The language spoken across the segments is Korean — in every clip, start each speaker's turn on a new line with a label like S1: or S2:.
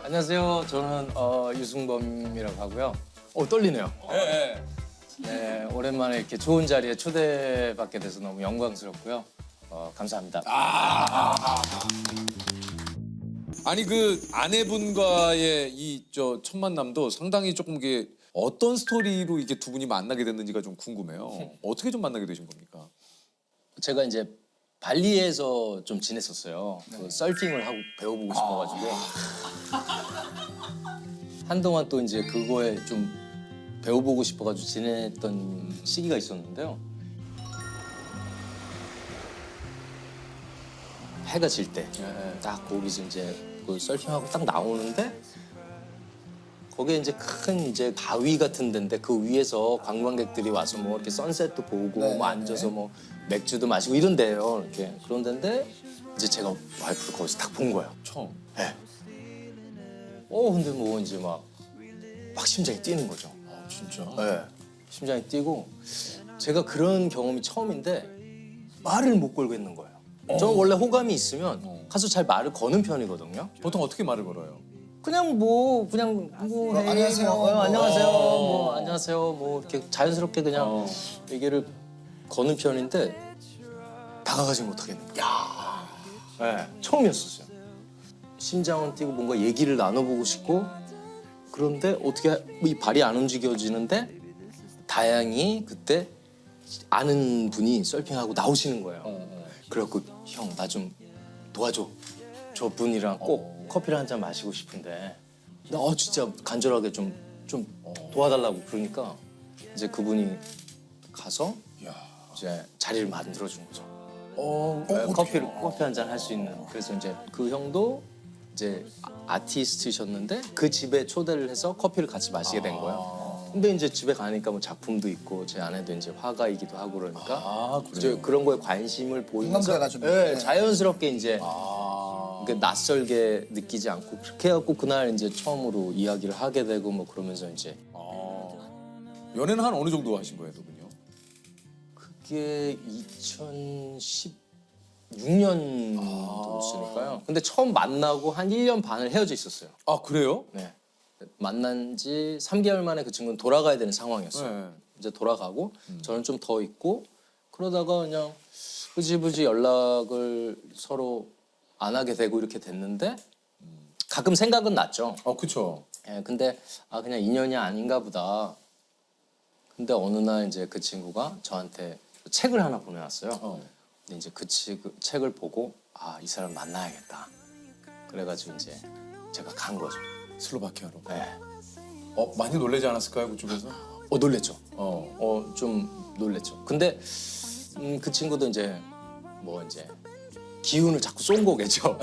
S1: 안녕하세요. 저는 유승범이라고 하고요. 떨리네요.
S2: 네.
S1: 네, 오랜만에 이렇게 좋은 자리에 초대받게 돼서 너무 영광스럽고요. 감사합니다.
S2: 아니 그 아내분과의 이 첫 만남도 상당히 조금 이게 어떤 스토리로 이게 두 분이 만나게 됐는지가 좀 궁금해요. 어떻게 좀 만나게 되신 겁니까?
S1: 제가 이제 발리에서 좀 지냈었어요. 그 서핑을 하고 배워보고 싶어가지고 한동안 또 이제 그거에 좀 배워보고 싶어가지고 지냈던 시기가 있었는데요. 해가 질 때 딱 거기서 이제 그 서핑하고 딱 나오는데 거기에 이제 큰 이제 바위 같은 데인데 그 위에서 관광객들이 와서 뭐 이렇게 선셋도 보고 뭐 앉아서 뭐 맥주도 마시고 이런 데예요. 이렇게 그런 데인데 이제 제가 와이프를 거기서 딱 본 거예요.
S2: 처음.
S1: 네. 근데 뭐 이제 막 심장이 뛰는 거죠.
S2: 진짜?
S1: 네. 심장이 뛰고 제가 그런 경험이 처음인데 말을 못 걸겠는 거예요. 저는 원래 호감이 있으면 가서 잘 말을 거는 편이거든요.
S2: 보통 어떻게 말을 걸어요?
S1: 그냥 뭐 헤이,
S3: 안녕하세요.
S1: 안녕하세요. 안녕하세요. 뭐 이렇게 자연스럽게 그냥 얘기를 거는 편인데 다가가지 못하겠는 거예요. 네, 처음이었었어요. 심장은 뛰고 뭔가 얘기를 나눠보고 싶고 그런데 어떻게 이 발이 안 움직여지는데 다행히 그때 아는 분이 서핑하고 나오시는 거예요. 그래갖고 형 나 좀 도와줘. 저 분이랑 꼭 커피를 한 잔 마시고 싶은데 나 진짜 간절하게 좀 도와달라고 그러니까 이제 그분이 가서 이제 자리를 만들어 준 거죠. 커피 한 잔 할 수 있는. 그래서 이제 그 형도 이제 아티스트셨는데 그 집에 초대를 해서 커피를 같이 마시게 된 거예요. 근데 이제 집에 가니까 뭐 작품도 있고 제 아내도 이제 화가이기도 하고 그러니까 이제 그런 거에 관심을 보이면서
S3: 공감대가 좀 있네.
S1: 자연스럽게 이제 낯설게 느끼지 않고 그렇게 해갖고 그날 이제 처음으로 이야기를 하게 되고 뭐 그러면서 이제
S2: 연애는 한 어느 정도 하신 거예요, 두 분요?
S1: 그게 2016년도였으니까요. 근데 처음 만나고 한 1년 반을 헤어져 있었어요.
S2: 아 그래요?
S1: 네. 만난 지 3개월 만에 그 친구는 돌아가야 되는 상황이었어요.
S2: 네.
S1: 이제 돌아가고 저는 좀 더 있고 그러다가 그냥 흐지부지 연락을 서로 안 하게 되고 이렇게 됐는데 가끔 생각은 났죠.
S2: 그쵸.
S1: 예, 근데 그냥 인연이 아닌가 보다. 근데 어느 날 이제 그 친구가 저한테 책을 하나 보내왔어요. 근데 이제 그 책을 보고 이 사람 만나야겠다. 그래가지고 이제 제가 간 거죠.
S2: 슬로바키아로.
S1: 네.
S2: 많이 놀라지 않았을까요, 그쪽에서?
S1: 놀랬죠. 좀 놀랬죠. 근데 그 친구도 이제 기운을 자꾸 쏜 거겠죠.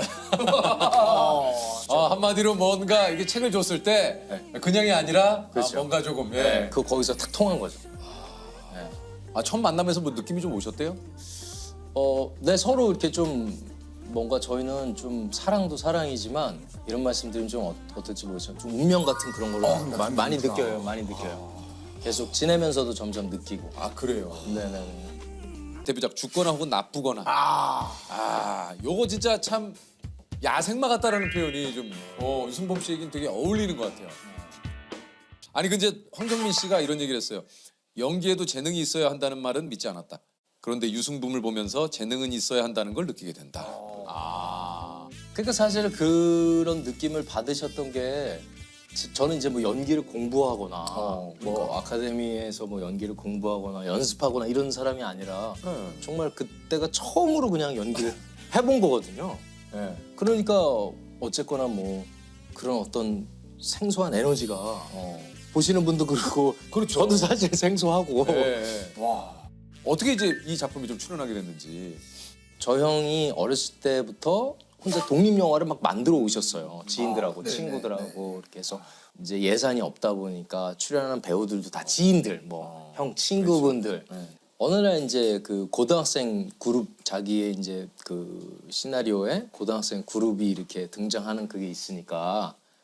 S2: 한마디로 뭔가 이게 책을 줬을 때 그냥이 아니라
S1: 그렇죠.
S2: 뭔가 조금.
S1: 네, 그 거기서 탁 통한 거죠.
S2: 첫 만남에서 뭐 느낌이 좀 오셨대요?
S1: 네, 서로 이렇게 좀 뭔가 저희는 좀 사랑도 사랑이지만 이런 말씀드리면 좀 어떨지 모르지만 좀 운명 같은 그런 걸 많이 느껴요. 많이 느껴요. 계속 지내면서도 점점 느끼고.
S2: 그래요.
S1: 네네.
S2: 데뷔작 죽거나 혹은 나쁘거나. 요거 진짜 참 야생마 같다라는 표현이 좀 유승범 씨에겐 되게 어울리는 것 같아요. 아니 근데 황정민 씨가 이런 얘기를 했어요. 연기에도 재능이 있어야 한다는 말은 믿지 않았다. 그런데 유승범을 보면서 재능은 있어야 한다는 걸 느끼게 된다.
S1: 그러니까 사실 그런 느낌을 받으셨던 게 저는 이제 뭐 연기를 공부하거나 뭐 아카데미에서 뭐 연기를 공부하거나 연습하거나 이런 사람이 아니라 정말 그때가 처음으로 그냥 연기를 해본 거거든요. 그러니까 어쨌거나 뭐 그런 어떤 생소한 에너지가 보시는 분도 그렇고
S2: 그렇죠.
S1: 저도 사실 생소하고
S2: 어떻게 이제 이 작품에 좀 출연하게 됐는지.
S1: 저 형이 어렸을 때부터 혼자 독립 영화를 막 만들어 오셨어요. 지인들하고 친구들하고 이렇게 해서 이제 예산이 없다 보니까 출연하는 배우들도 다 지인들, 뭐 형 친구분들. 어느 날 이제 그 고등학생 그룹 자기의 이제 그 시나리오에 고등학생 그룹이 이렇게 등장하는 그게 있으니까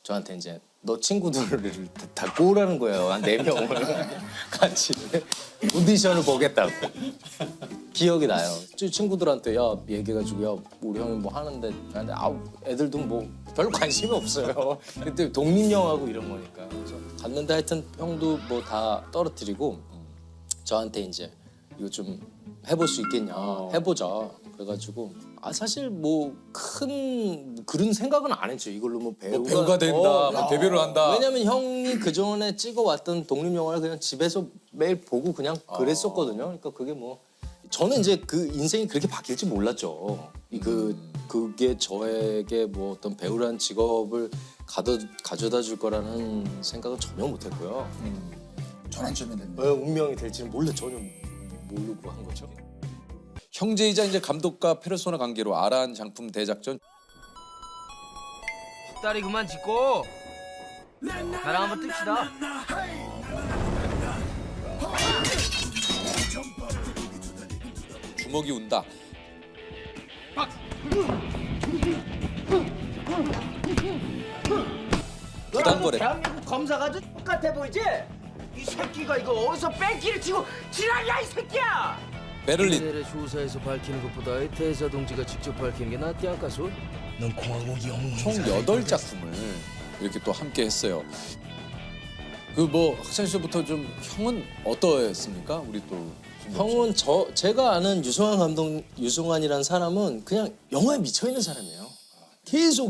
S1: 저한테 이제 너 친구들을 다 꼬으라는 거예요. 한 4명을 같이 오디션을 보겠다고. 기억이 나요. 친구들한테 야 얘기해가지고 야 우리 형이 뭐 하는데 근데 애들도 뭐 별로 관심이 없어요. 그때 독립영화고 이런 거니까. 그래서 갔는데 하여튼 형도 뭐 다 떨어뜨리고 저한테 이제 이거 좀 해볼 수 있겠냐 해보자. 그래가지고 사실 뭐 큰 그런 생각은 안 했죠. 이걸로 뭐
S2: 배우가 된다, 뭐 데뷔를 한다.
S1: 왜냐면 형이 그 전에 찍어왔던 독립 영화를 그냥 집에서 매일 보고 그냥 그랬었거든요. 그러니까 그게 뭐 저는 이제 그 인생이 그렇게 바뀔지 몰랐죠. 그게 저에게 뭐 어떤 배우라는 직업을 가져다 줄 거라는 생각은 전혀 못했고요.
S3: 전환점이 됐네.
S1: 운명이 될지는 전혀 모르고 한 거죠.
S2: 형제이자 이제 감독과 페르소나 관계로 아란 장품 대작전.
S4: 다리 그만 짚고 나랑 한번 뜹시다.
S2: 주먹이 운다. 부당거래.
S4: 대한민국 검사가 좀 똑같아 보이지? 이 새끼가 이거 어디서 뺑기를 치고 지랄이야 이 새끼야!
S2: 베를린.
S4: 의 조사에서 밝히는 것보다 대사 동지가 직접 밝히는 게 낫지 않겠소? 넌 공화국 영웅.
S2: 총 8작품을 이렇게 또 함께 했어요. 그 뭐 학창 시절부터 좀 형은 어떠했습니까? 우리 또
S1: 형은 제가 아는 유승환이라는 사람은 그냥 영화에 미쳐 있는 사람이에요. 계속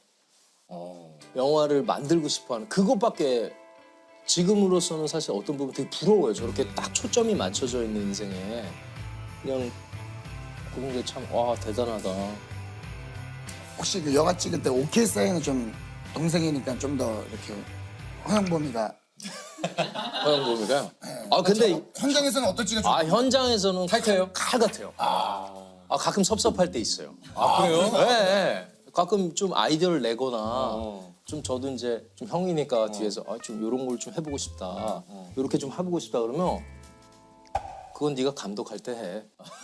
S1: 영화를 만들고 싶어하는 그것밖에 지금으로서는 사실 어떤 부분 되게 부러워요. 저렇게 딱 초점이 맞춰져 있는 인생에 그냥 그런 게 참 대단하다.
S3: 혹시 그 영화 찍을 때 오케이 사인은 좀 동생이니까 좀 더 이렇게 허영범이가
S1: 허영범이가요? 근데
S3: 현장에서는 어떨지가 좀
S1: 현장에서는
S2: 타이트해요?
S1: 칼 같아요. 가끔 섭섭할 때 있어요.
S2: 그래요?
S1: 네. 가끔 좀 아이디어를 내거나 좀 저도 이제 좀 형이니까 뒤에서 좀 이런 걸 좀 해보고 싶다. 이렇게 좀 해보고 싶다 그러면 그건 네가 감독할 때 해.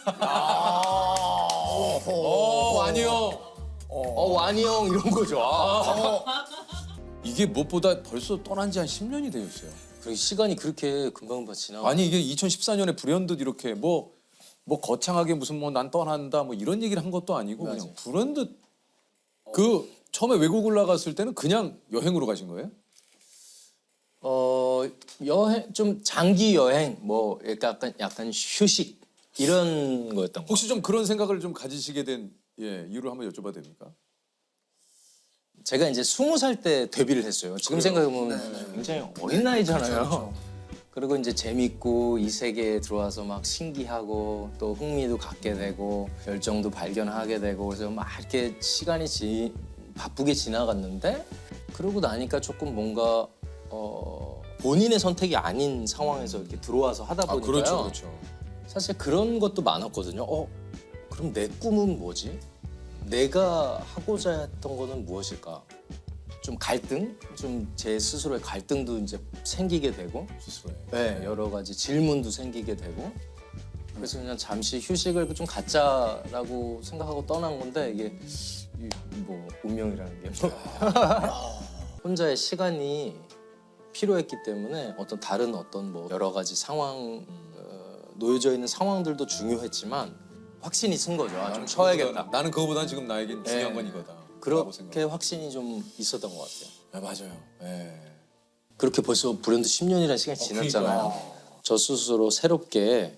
S2: 아니요.
S1: 완이 형 이런 거죠.
S2: 이게 무엇보다 벌써 떠난 지 한 10년이 되었어요.
S1: 그리고 시간이 그렇게 금방 지나가.
S2: 아니 이게 2014년에 불현듯 이렇게 뭐 거창하게 무슨 뭐 난 떠난다 뭐 이런 얘기를 한 것도 아니고
S1: 맞아요.
S2: 그냥 불현듯 그 처음에 외국을 나갔을 때는 그냥 여행으로 가신 거예요?
S1: 여행 좀 장기 여행 뭐 약간 휴식 이런 거였던 거.
S2: 혹시 좀 그런 생각을 좀 가지시게 된 이유를 한번 여쭤봐도 됩니까?
S1: 제가 이제 20살 때 데뷔를 했어요. 지금 생각해보면 굉장히 어린 나이잖아요. 그리고 이제 재밌고 이 세계에 들어와서 막 신기하고 또 흥미도 갖게 되고 열정도 발견하게 되고 그래서 막 이렇게 시간이 바쁘게 지나갔는데 그러고 나니까 조금 뭔가 본인의 선택이 아닌 상황에서 이렇게 들어와서 하다 보니까요.
S2: 그렇죠.
S1: 사실 그런 것도 많았거든요. 그럼 내 꿈은 뭐지? 내가 하고자 했던 거는 무엇일까? 좀 갈등? 좀 제 스스로의 갈등도 이제 생기게 되고
S2: 스스로에.
S1: 네, 여러 가지 질문도 생기게 되고 그래서 그냥 잠시 휴식을 좀 갖자라고 생각하고 떠난 건데 이게 뭐 운명이라는 게 뭐. 혼자의 시간이 필요했기 때문에 다른 뭐 여러 가지 상황 놓여져 있는 상황들도 중요했지만 확신이 쓴 거죠. 좀 쉬어야겠다.
S2: 나는 그거보다는 지금 나에겐 중요한 건 이거다. 라고
S1: 그렇게 확신이 좀 있었던 것 같아요.
S2: 맞아요.
S1: 그렇게 벌써 불현듯 10년이라는 시간이 지났잖아요. 저 스스로 새롭게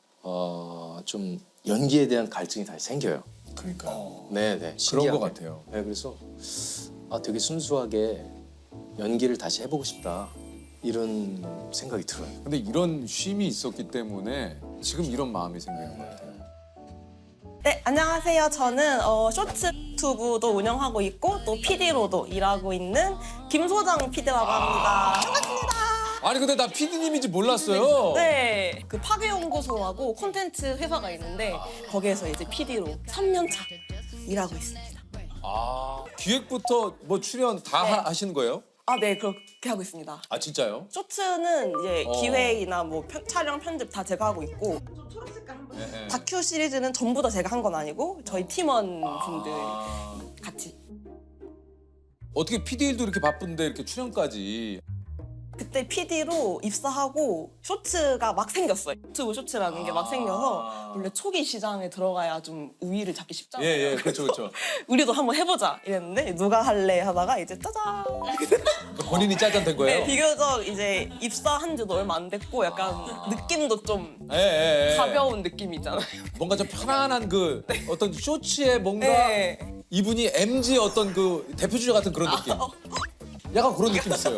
S1: 좀 연기에 대한 갈증이 다시 생겨요.
S2: 그러니까
S1: 네네.
S2: 그런
S1: 신기하게.
S2: 것 같아요.
S1: 네, 그래서 되게 순수하게 연기를 다시 해보고 싶다 이런 생각이 들어요.
S2: 근데 이런 쉼이 있었기 때문에 지금 이런 마음이 생기는 것 같아요.
S5: 네, 안녕하세요. 저는 쇼츠 유튜브도 운영하고 있고 또 PD로도 일하고 있는 김소정 PD라고 합니다. 반갑습니다.
S2: 아니 근데 나 PD님인지 몰랐어요.
S5: 네, 그 파괴연구소라고 콘텐츠 회사가 있는데 거기에서 이제 PD로 3년 차 일하고 있습니다.
S2: 기획부터 뭐 출연 다
S5: 네.
S2: 하시는 거예요?
S5: 네, 그렇게 하고 있습니다.
S2: 진짜요?
S5: 쇼츠는 이제 기획이나 뭐 촬영, 편집 다 제가 하고 있고 다큐 시리즈는 전부 다 제가 한 건 아니고 저희 팀원 분들 같이.
S2: 어떻게 PD일도 이렇게 바쁜데 이렇게 출연까지.
S5: 그때 PD로 입사하고 쇼츠가 막 생겼어요. 유튜브 쇼츠라는 게 막 생겨서 원래 초기 시장에 들어가야 좀 우위를 잡기 쉽잖아요.
S2: 예, 그렇죠, 그렇죠.
S5: 우리도 한번 해보자 이랬는데 누가 할래 하다가 이제 짜잔.
S2: 본인이 짜잔된 거예요?
S5: 네, 비교적 이제 입사한 지도 얼마 안 됐고 약간 느낌도 좀
S2: 예.
S5: 가벼운 느낌이 있잖아요.
S2: 뭔가 좀 편안한 그 어떤 쇼츠에 뭔가
S5: 네.
S2: 이분이 MG 어떤 그 대표 주자 같은 그런 느낌. 약간 그런 느낌 있어요.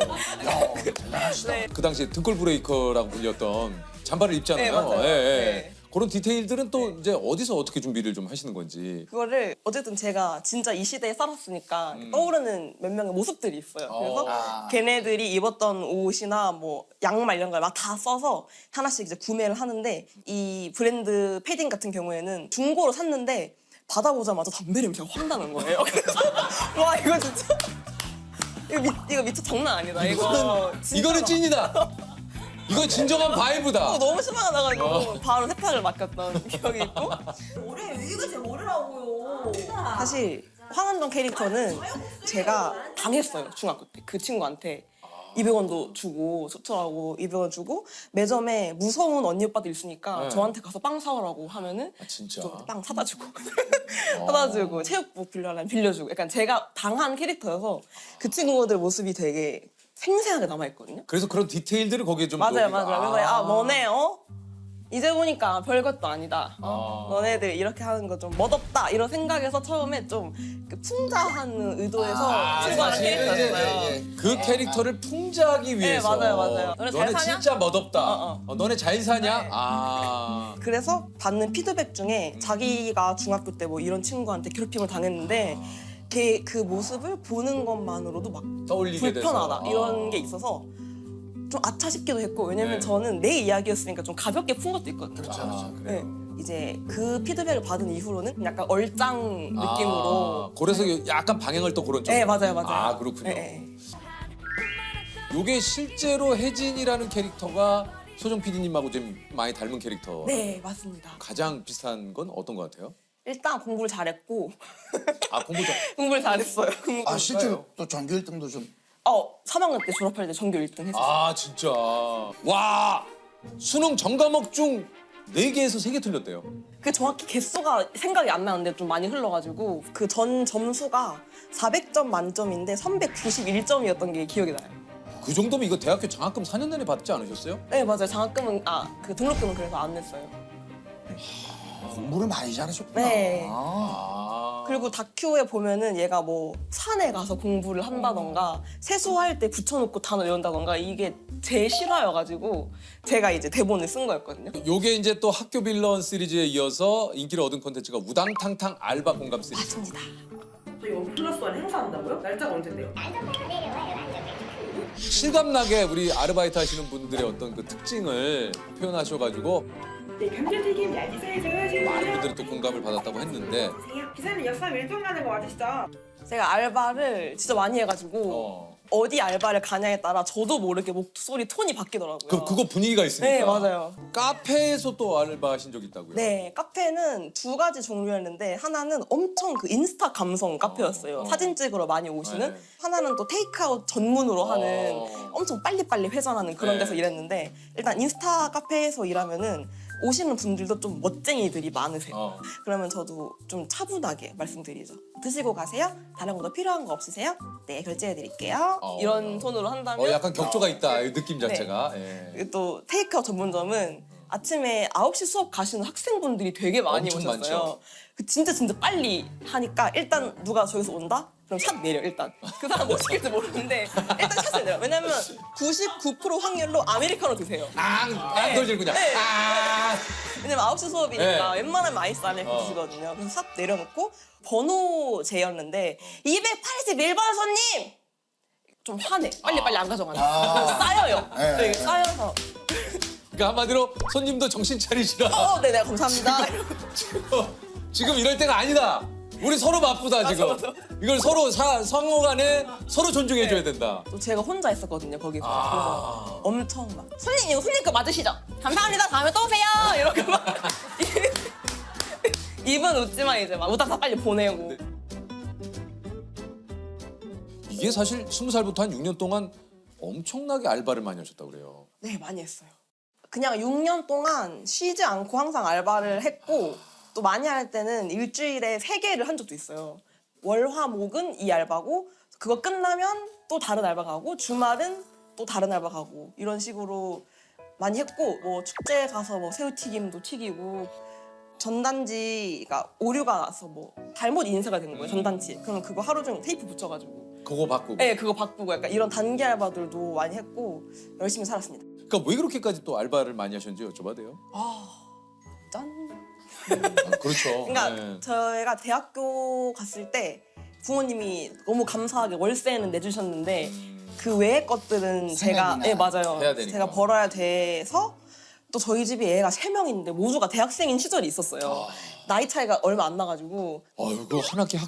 S5: 네.
S2: 그 당시에 등골 브레이커라고 불렸던 잠바를 입잖아요.
S5: 네, 맞아요. 네.
S2: 그런 디테일들은 또 이제 어디서 어떻게 준비를 좀 하시는 건지.
S5: 그거를 어쨌든 제가 진짜 이 시대에 살았으니까 떠오르는 몇 명의 모습들이 있어요. 그래서 걔네들이 입었던 옷이나 뭐 양말 이런 걸 막 다 써서 하나씩 이제 구매를 하는데 이 브랜드 패딩 같은 경우에는 중고로 샀는데 받아보자마자 담배 냄새가 확 나는 거예요. 그래서 와 이거 진짜 이거 미쳐 장난 아니다. 이거 진짜
S2: 이거는 찐이다. 이건 진정한 바이브다.
S5: 너무 심하게 나가지고 바로 세탁을 맡겼던 기억이 있고.
S6: 이거 제 모르라고요.
S5: 사실 황은정 캐릭터는 제가 당했어요. 중학교 때 그 친구한테 200원도 주고 소철하고 200원 주고 매점에 무서운 언니 오빠들 있으니까 저한테 가서 빵 사오라고 하면은
S2: 진짜.
S5: 저 빵 사다 주고 사다 주고 체육복 빌려라면 빌려주고 약간 제가 당한 캐릭터여서 그 친구들 모습이 되게 생생하게 남아있거든요.
S2: 그래서 그런 디테일들을 거기에 좀
S5: 맞아요.
S2: 넣으니까.
S5: 그래서 너네 이제 보니까 별것도 아니다. 너네들 이렇게 하는 거 좀 멋없다 이런 생각에서 처음에 좀 그 풍자하는 의도에서 친구하는
S2: 사실은
S5: 캐릭터였어요.
S2: 그 캐릭터를 풍자하기 위해서.
S5: 맞아요. 너네 잘
S2: 너네
S5: 사냐?
S2: 진짜 멋없다.
S5: 어.
S2: 너네 잘 사냐?
S5: 네. 그래서 받는 피드백 중에 자기가 중학교 때 뭐 이런 친구한테 괴롭힘을 당했는데 걔 그 모습을 보는 것만으로도 막
S2: 떠올리게
S5: 불편하다
S2: 돼서.
S5: 이런 게 있어서 좀 아차 싶기도 했고 왜냐면
S2: 네.
S5: 저는 내 이야기였으니까 좀 가볍게 푼 것도 있거든요.
S2: 그래요?
S5: 네. 이제 그 피드백을 받은 이후로는 약간 얼짱 느낌으로.
S2: 그래서 약간 방향을 또 그런 쪽.
S5: 네, 맞아요.
S2: 아, 그렇군요.
S5: 네.
S2: 요게 실제로 혜진이라는 캐릭터가 소정 PD님하고 좀 많이 닮은 캐릭터.
S5: 네, 맞습니다.
S2: 가장 비슷한 건 어떤 것 같아요?
S5: 일단 공부를 잘했고
S2: 아, 공부 좀.
S5: 공부를 잘했어요.
S3: 아 실제로 또 전교 1등도 좀
S5: 3학년 때 졸업할 때 전교 1등 했어요.
S2: 아, 진짜. 와, 수능 전과목 중 4개에서 3개 틀렸대요.
S5: 그 정확히 개수가 생각이 안 나는데 좀 많이 흘러가지고 그 전 점수가 400점 만점인데 391점이었던 게 기억이 나요.
S2: 그 정도면 이거 대학교 장학금 4년 내내 받지 않으셨어요?
S5: 네, 맞아요. 장학금은 그 등록금은 그래서 안 냈어요.
S3: 공부를 많이 잘하셨구나.
S5: 네.
S2: 아.
S5: 그리고 다큐에 보면은 얘가 뭐 산에 가서 공부를 한다던가 세수할 때 붙여놓고 단어 외운다던가 이게 제 실화여가지고 제가 이제 대본을 쓴 거였거든요.
S2: 요게 이제 또 학교 빌런 시리즈에 이어서 인기를 얻은 콘텐츠가 우당탕탕 알바 공감 시리즈.
S5: 맞습니다.
S6: 저희 원 플러스 원 행사한다고요? 날짜가 언제인데요?
S2: 실감나게 우리 아르바이트 하시는 분들의 어떤 그 특징을 표현하셔가지고
S6: 네, 감자튀김 얇게 사이즈를
S2: 많은 분들이 또 공감을 받았다고 했는데
S6: 기사님 역삼 일동 가는 거 맞으시죠?
S5: 제가 알바를 진짜 많이 해가지고 어디 알바를 가냐에 따라 저도 모르게 목소리 톤이 바뀌더라고요.
S2: 그거 분위기가 있으니까.
S5: 네, 맞아요.
S2: 카페에서 또 알바 하신 적 있다고요?
S5: 네, 카페는 2가지 종류였는데 하나는 엄청 그 인스타 감성 카페였어요. 사진 찍으러 많이 오시는.
S2: 네.
S5: 하나는 또 테이크아웃 전문으로 하는 엄청 빨리빨리 회전하는 그런
S2: 네.
S5: 데서 일했는데 일단 인스타 카페에서 일하면은 오시는 분들도 좀 멋쟁이들이 많으세요. 그러면 저도 좀 차분하게 말씀드리죠. 드시고 가세요? 다른 거 더 필요한 거 없으세요? 네, 결제해드릴게요. 이런 톤으로 한다면
S2: 약간 격조가 있다, 이 느낌 자체가. 예.
S5: 또 테이크아웃 전문점은 아침에 9시 수업 가시는 학생분들이 되게 많이
S2: 엄청
S5: 오셨어요.
S2: 많죠.
S5: 그 진짜 빨리 하니까 일단 누가 저기서 온다? 그럼 샷 내려 일단. 그 사람 뭐 시킬지 모르는데 일단 샷을 내려. 왜냐면 99% 확률로 아메리카노 드세요.
S2: 안 돌리고 그냥.
S5: 네.
S2: 아.
S5: 왜냐면 9시 수업이니까
S2: 네.
S5: 웬만하면 아이스 아메리카노 드시거든요. 그래서 샷 내려놓고 번호 제였는데 281번 손님! 좀 화내. 빨리 안 가져가니까. 쌓여요.
S3: 네.
S5: 네, 쌓여서.
S2: 그러니까 한마디로 손님도 정신 차리시라.
S5: 네네 감사합니다.
S2: 지금 이럴 때가 아니다. 우리 서로 바쁘다 지금.
S5: 맞아.
S2: 이걸 서로 상호간에 서로 존중해줘야 된다.
S5: 또 제가 혼자 있었거든요 거기서. 그래서 엄청 막 손님 이거 손님 거 맞으시죠? 감사합니다. 다음에 또 오세요. 이렇게 막 입은 웃지만 이제 막 우다다 빨리 보내고.
S2: 이게 사실 20살부터 한 6년 동안 엄청나게 알바를 많이 하셨다고 그래요.
S5: 네, 많이 했어요. 그냥 6년 동안 쉬지 않고 항상 알바를 했고 또 많이 할 때는 일주일에 3개를 한 적도 있어요. 월, 화, 목은 이 알바고 그거 끝나면 또 다른 알바 가고 주말은 또 다른 알바 가고 이런 식으로 많이 했고 뭐 축제 가서 뭐 새우튀김도 튀기고 전단지가 오류가 나서 뭐 잘못 인쇄가 된 거예요, 전단지. 그러면 그거 하루 종일 테이프 붙여가지고
S2: 그거 바꾸고.
S5: 네, 그거 바꾸고 약간 이런 단기 알바들도 많이 했고 열심히 살았습니다.
S2: 그러니까 왜 그렇게까지 또 알바를 많이 하셨는지 여쭤봐도 돼요?
S5: 짠.
S2: 아, 그렇죠.
S5: 그러니까
S2: 네.
S5: 저희가 대학교 갔을 때 부모님이 너무 감사하게 월세는 내주셨는데 그 외의 것들은 제가
S3: 생활비나
S5: 네 맞아요.
S2: 해야 되니까.
S5: 제가 벌어야 돼서 또 저희 집이 애가 3명인데 모두가 대학생인 시절이 있었어요. 나이 차이가 얼마 안 나가지고
S2: 아유, 그 한 학기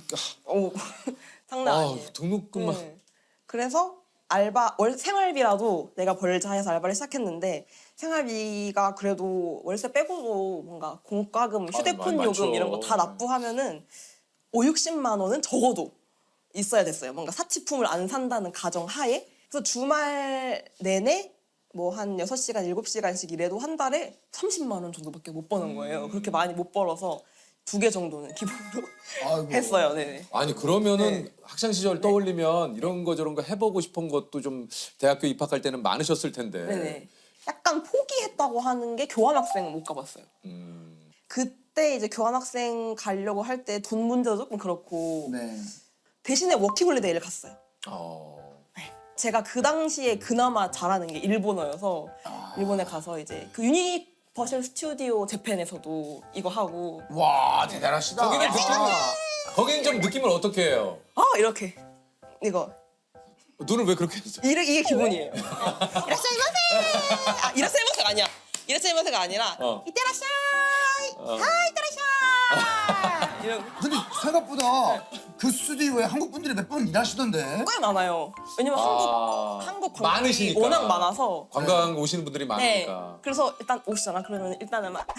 S5: 장난 아니에요.
S2: 등록금만.
S5: 네. 그래서 월 생활비라도 내가 벌자 해서 알바를 시작했는데 생활비가 그래도 월세 빼고도 뭔가 공과금, 휴대폰
S2: 많죠.
S5: 요금 이런 거 다 납부하면은 50-60만 원은 적어도 있어야 됐어요. 뭔가 사치품을 안 산다는 가정 하에. 그래서 주말 내내 뭐 한 6시간, 7시간씩 일해도 한 달에 30만 원 정도밖에 못 버는 거예요. 그렇게 많이 못 벌어서 2개 정도는 기본으로
S3: 아이고.
S5: 했어요. 네.
S2: 아니 그러면은 학창 시절 떠올리면 이런 거 저런 거 해보고 싶은 것도 좀 대학교 입학할 때는 많으셨을 텐데.
S5: 네네. 약간 포기했다고 하는 게 교환학생은 못 가봤어요. 그때 이제 교환학생 가려고 할 때 돈 문제도 조금 그렇고
S3: 네.
S5: 대신에 워킹홀리데이를 갔어요.
S2: 어.
S5: 제가 그 당시에 그나마 잘하는 게 일본어여서 일본에 가서 이제 그 유니버셜 스튜디오 재팬에서도 이거 하고
S3: 와 대단하시다.
S2: 거기는 좀 느낌을 어떻게 해요?
S5: 이렇게 이거
S2: 눈을 왜 그렇게 했어?
S5: 이게 기본이에요. 이라샤이마세! 이라샤이마세가 아니야. 이라샤이마세가 아니라 이때라샤이! 이때라샤이! 이런
S3: 근데 생각보다 그 스튜디오에 한국 분들이 몇 번 일하시던데.
S5: 꽤 많아요. 왜냐면 한국 관광객이
S2: 많으시니까.
S5: 워낙 많아서.
S2: 관광 오시는 분들이
S5: 네.
S2: 많으니까.
S5: 그래서 일단 오시잖아. 그러면 일단은 막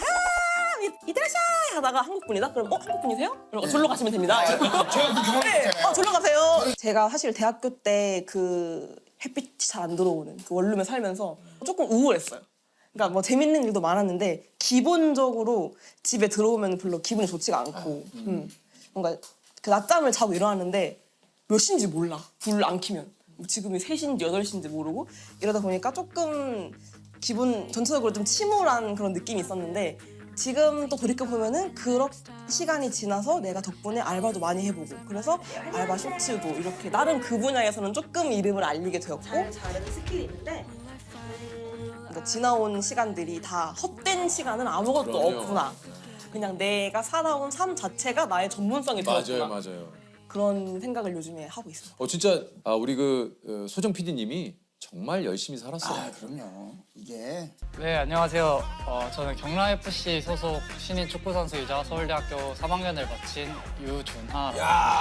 S5: 이때라샤이 하다가 한국 분이다? 그럼 한국 분이세요? 그럼 절로 가시면 됩니다.
S3: 제가 그 경험
S5: 네.
S3: 있잖아요.
S5: 절로 가세요. 제가 사실 대학교 때 그 햇빛이 잘 안 들어오는 그 원룸에 살면서 조금 우울했어요. 그러니까 뭐 재밌는 일도 많았는데 기본적으로 집에 들어오면 별로 기분이 좋지가 않고 뭔가 그 낮잠을 자고 일어나는데 몇 시인지 몰라. 불 안 켜면. 뭐 지금이 3시인지 8시인지 모르고 이러다 보니까 조금 기분 전체적으로 좀 침울한 그런 느낌이 있었는데 지금 또 돌이켜보면은 그런 시간이 지나서 내가 덕분에 알바도 많이 해보고 그래서 알바 쇼츠도 이렇게 나름 그 분야에서는 조금 이름을 알리게 되었고 잘하는 스킬이 있는데 그러니까 지나온 시간들이 다 헛된 시간은 아무것도
S2: 그럼요.
S5: 없구나. 그냥 내가 살아온 삶 자체가 나의 전문성이 되었구나.
S2: 맞아요.
S5: 그런 생각을 요즘에 하고 있어요.
S2: 진짜 우리 소정 PD님이 정말 열심히 살았어요.
S3: 아 그럼요. 이게
S7: 네, 안녕하세요. 저는 경남FC 소속 신인 축구선수이자 서울대학교 3학년을 마친 유준하.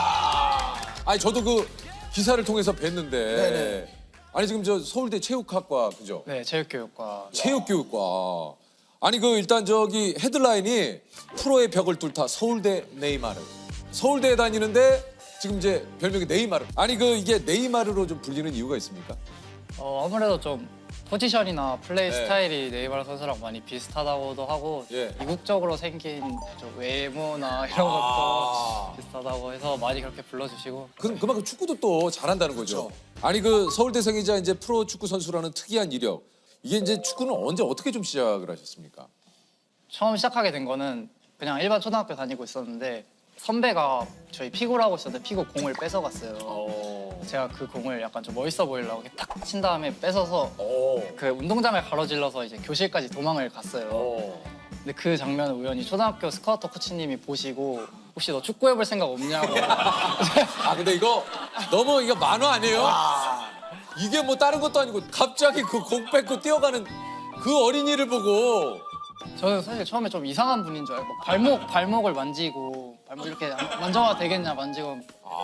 S2: 아니 저도 그 기사를 통해서 뵀는데.
S3: 네네.
S2: 아니 지금 저 서울대 체육학과 그죠?
S7: 네, 체육교육과.
S2: 체육교육과. 아니 그 일단 저기 헤드라인이 프로의 벽을 뚫다 서울대 네이마르. 서울대에 다니는데 지금 이제 별명이 네이마르. 아니 그 이게 네이마르로 좀 불리는 이유가 있습니까?
S7: 아무래도 좀 포지션이나 플레이
S2: 네.
S7: 스타일이 네이마르 선수랑 많이 비슷하다고도 하고
S2: 예.
S7: 이국적으로 생긴 좀 외모나 이런 것도 비슷하다고 해서 많이 그렇게 불러주시고
S2: 그만큼 축구도 또 잘한다는 거죠. 아니 그 서울대생이자 이제 프로 축구 선수라는 특이한 이력. 이게 이제 축구는 언제 어떻게 좀 시작을 하셨습니까?
S7: 처음 시작하게 된 거는 그냥 일반 초등학교 다니고 있었는데 선배가 저희 피구를 하고 있었는데 피구 공을 뺏어갔어요. 제가 그 공을 약간 좀 멋있어 보이려고 이렇게 탁 친 다음에 뺏어서 그 운동장을 가로질러서 이제 교실까지 도망을 갔어요. 근데 그 장면을 우연히 초등학교 스카우터 코치님이 보시고 혹시 너 축구해볼 생각 없냐고.
S2: 아 근데 이거 너무 이거 만화 아니에요? 이게 뭐 다른 것도 아니고 갑자기 그 공 뺏고 뛰어가는 그 어린이를 보고
S7: 저는 사실 처음에 좀 이상한 분인 줄 알고 발목을 만지고 발목 이렇게 만져봐도 되겠냐 만지고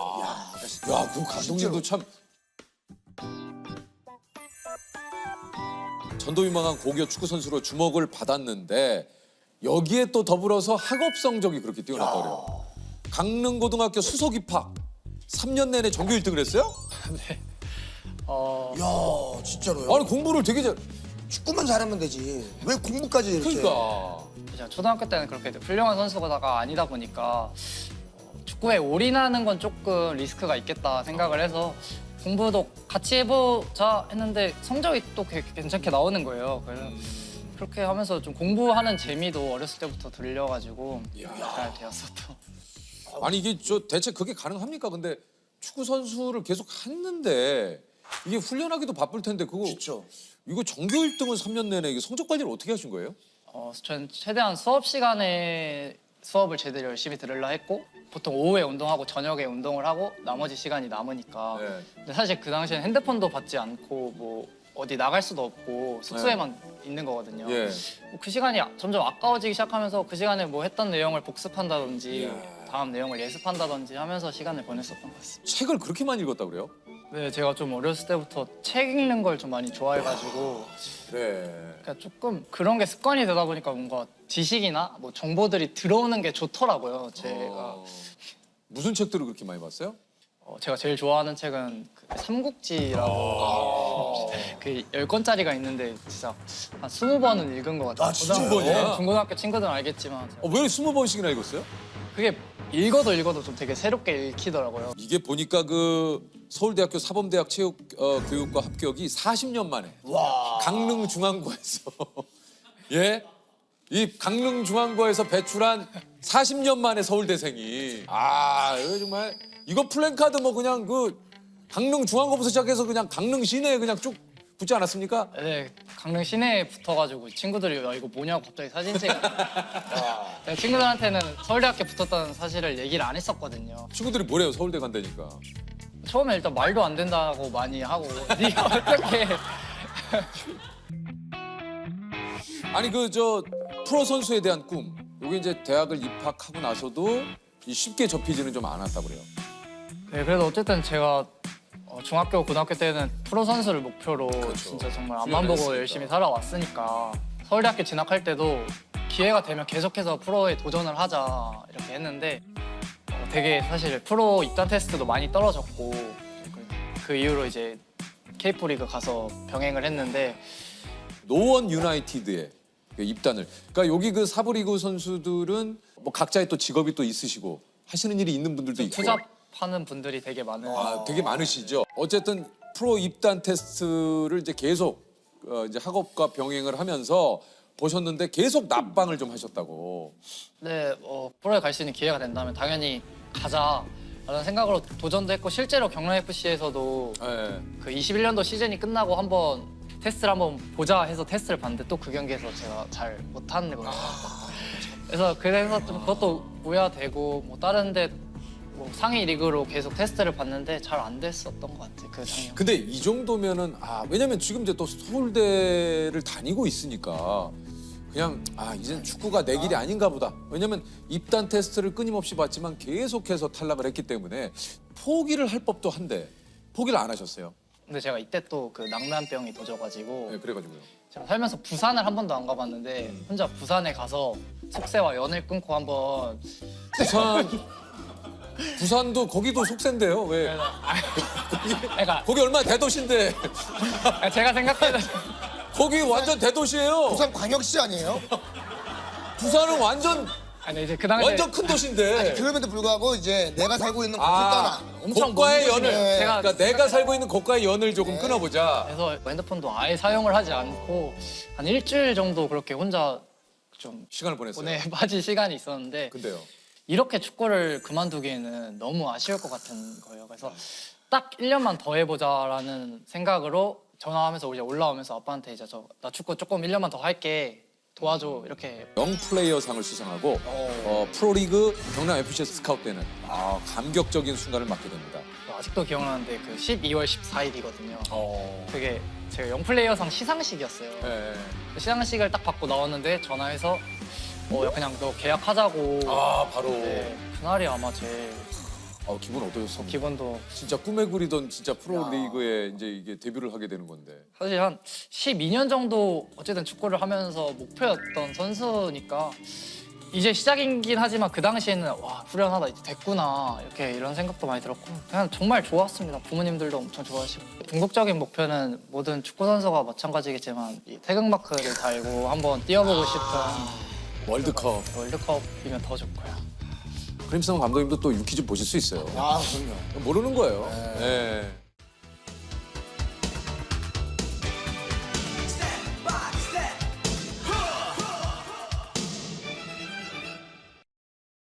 S2: 야, 그 감독님도 참 전도 유망한 고교 축구 선수로 주목을 받았는데 여기에 또 더불어서 학업 성적이 그렇게 뛰어났다 그래요. 강릉고등학교 수석 입학. 3년 내내 전교 1등을 했어요?
S3: 야 진짜로요?
S2: 아니 공부를 되게 잘.
S3: 축구만 잘하면 되지. 왜 공부까지 이렇게?
S2: 그러니까.
S7: 제가 초등학교 때는 그렇게 훌륭한 선수가 아니다 보니까 축구에 올인하는 건 조금 리스크가 있겠다 생각을 해서 공부도 같이 해보자 했는데 성적이 또 괜찮게 나오는 거예요. 그래서 그렇게 하면서 좀 공부하는 재미도 어렸을 때부터 들려가지고 잘 되었었던.
S2: 아니 이게 저 대체 그게 가능합니까? 근데 축구 선수를 계속 했는데 이게 훈련하기도 바쁠 텐데 그거
S3: 그렇죠.
S2: 이거 전교 1등을 3년 내내 이게 성적 관리를 어떻게 하신 거예요?
S7: 저는 최대한 수업 시간에 수업을 제대로 열심히 들으려 했고 보통 오후에 운동하고 저녁에 운동을 하고 나머지 시간이 남으니까
S2: 네.
S7: 근데 사실 그 당시엔 핸드폰도 받지 않고 뭐 어디 나갈 수도 없고 숙소에만 있는 거거든요.
S2: 예.
S7: 뭐그 시간이 점점 아까워지기 시작하면서 그 시간에 뭐 했던 내용을 복습한다든지
S2: 이야.
S7: 다음 내용을 예습한다든지 하면서 시간을 보냈었던 것 같습니다.
S2: 책을 그렇게 많이 읽었다 그래요?
S7: 네, 제가 좀 어렸을 때부터 책 읽는 걸 좀 많이 좋아해가지고
S2: 그래.
S7: 그러니까 조금 그런 게 습관이 되다 보니까 뭔가 지식이나 뭐 정보들이 들어오는 게 좋더라고요. 제가
S2: 무슨 책들을 그렇게 많이 봤어요?
S7: 제가 제일 좋아하는 책은 그 삼국지라고 그 10권짜리가 있는데 진짜 한 20번은 읽은 것 같아요.
S3: 아, 진짜요?
S7: 중고등학교 친구들은 알겠지만
S2: 왜 20번씩이나 읽었어요?
S7: 그게 읽어도 좀 되게 새롭게 읽히더라고요.
S2: 이게 보니까 그 서울대학교 사범대학 체육교육과 합격이 40년 만에 강릉중앙고에서 예? 이 강릉중앙고에서 배출한 40년 만에 서울대생이 이거 정말 이거 플랜카드 뭐 그냥 그 강릉중앙고부터 시작해서 그냥 강릉 시내에 그냥 쭉 붙지 않았습니까?
S7: 네, 강릉 시내에 붙어가지고 친구들이 야, 이거 뭐냐고 갑자기 사진 찍어. 제가 친구들한테는 서울대학교 붙었다는 사실을 얘기를 안 했었거든요.
S2: 친구들이 뭐래요 서울대 간다니까.
S7: 처음에 일단 말도 안 된다고 많이 하고 네가 어떻게
S2: 아니 그 저 프로 선수에 대한 꿈 이게 이제 대학을 입학하고 나서도 쉽게 접히지는 좀 않았다 그래요.
S7: 네, 그래도 어쨌든 제가 중학교, 고등학교 때는 프로 선수를 목표로 진짜 정말 앞만 보고
S2: 훈련했으니까.
S7: 열심히 살아왔으니까 서울대학교 진학할 때도 기회가 되면 계속해서 프로에 도전을 하자 이렇게 했는데 되게 사실 프로 입단 테스트도 많이 떨어졌고 그 이후로 이제 K프리그 가서 병행을 했는데
S2: 노원 유나이티드에 그 입단을. 그러니까 여기 그 사부리그 선수들은 뭐 각자의 또 직업이 또 있으시고 하시는 일이 있는 분들도 있고.
S7: 투잡하는 분들이 되게 많은
S2: 되게 많으시죠. 어쨌든 프로 입단 테스트를 이제 계속 이제 학업과 병행을 하면서 보셨는데 계속 납방을 좀 하셨다고.
S7: 네, 프로에 갈 수 있는 기회가 된다면 당연히 가자라는 생각으로 도전도 했고 실제로 경남FC에서도
S2: 예.
S7: 그 21년도 시즌이 끝나고 한번 테스트를 한번 보자 해서 테스트를 봤는데 또 그 경기에서 제가 잘 못하는 거예요. 그래서 좀 그것도 우려되고 뭐 다른데 뭐 상위 리그로 계속 테스트를 봤는데 잘 안 됐었던 것 같아요. 그 작년.
S2: 근데 이 정도면은 왜냐면 지금 이제 또 서울대를 다니고 있으니까 그냥 이젠 축구가 내 길이 아닌가 보다. 왜냐면 입단 테스트를 끊임없이 봤지만 계속해서 탈락을 했기 때문에 포기를 할 법도 한데 포기를 안 하셨어요.
S7: 근데 제가 이때 또 그 낭만병이 도져가지고
S2: 네, 그래가지고요.
S7: 제가 살면서 부산을 한 번도 안 가봤는데 혼자 부산에 가서 속세와 연을 끊고 한번
S2: 부산도 거기도 속세인데요. 왜?
S7: 그러니까
S2: 거기 얼마나 대도시인데
S7: 제가 생각해도
S2: 거기 완전 대도시예요.
S3: 부산 광역시 아니에요?
S2: 부산은 완전
S7: 아니 이제 그 당시에
S2: 큰 도시인데.
S3: 그럼에도 불구하고 이제 내가 살고 있는 곳을 떠나.
S7: 엄청
S2: 고가의
S3: 먼
S2: 연을.
S3: 곳이네.
S2: 그러니까 내가 살고 있는 고가의 연을 조금 끊어보자.
S7: 그래서 핸드폰도 아예 사용을 하지 않고 한 일주일 정도 그렇게 혼자 좀
S2: 시간을 보냈어요.
S7: 빠진 시간이 있었는데
S2: 근데요.
S7: 이렇게 축구를 그만두기에는 너무 아쉬울 것 같은 거예요. 그래서 딱 1년만 더 해보자라는 생각으로 전화하면서 이제 올라오면서 아빠한테 이제 나 축구 조금 1년만 더 할게 도와줘 이렇게.
S2: 영플레이어상을 수상하고 프로리그 경남FC에서 스카웃되는 감격적인 순간을 맞게 됩니다.
S7: 아직도 기억나는데 그 12월 14일이거든요. 그게 제가 영플레이어상 시상식이었어요.
S2: 네.
S7: 그 시상식을 딱 받고 나왔는데 전화해서 그냥 너 계약하자고.
S2: 바로.
S7: 네, 그날이 아마 제일
S2: 기분 어떠셨어요?
S7: 기분도
S2: 진짜 꿈에 그리던 진짜 프로리그에 이제 이게 데뷔를 하게 되는 건데.
S7: 사실 한 12년 정도 어쨌든 축구를 하면서 목표였던 선수니까 이제 시작이긴 하지만 그 당시에는 와 후련하다 이제 됐구나 이렇게 이런 생각도 많이 들었고 그냥 정말 좋았습니다. 부모님들도 엄청 좋아하시고 궁극적인 목표는 모든 축구 선수가 마찬가지겠지만 이 태극마크를 달고 한번 뛰어보고 싶은
S2: 월드컵.
S7: 월드컵이면 더 좋고요.
S2: 크림슨 감독님도 또 유키즈 보실 수 있어요.
S3: 아 그럼요.
S2: 모르는 거예요. 네.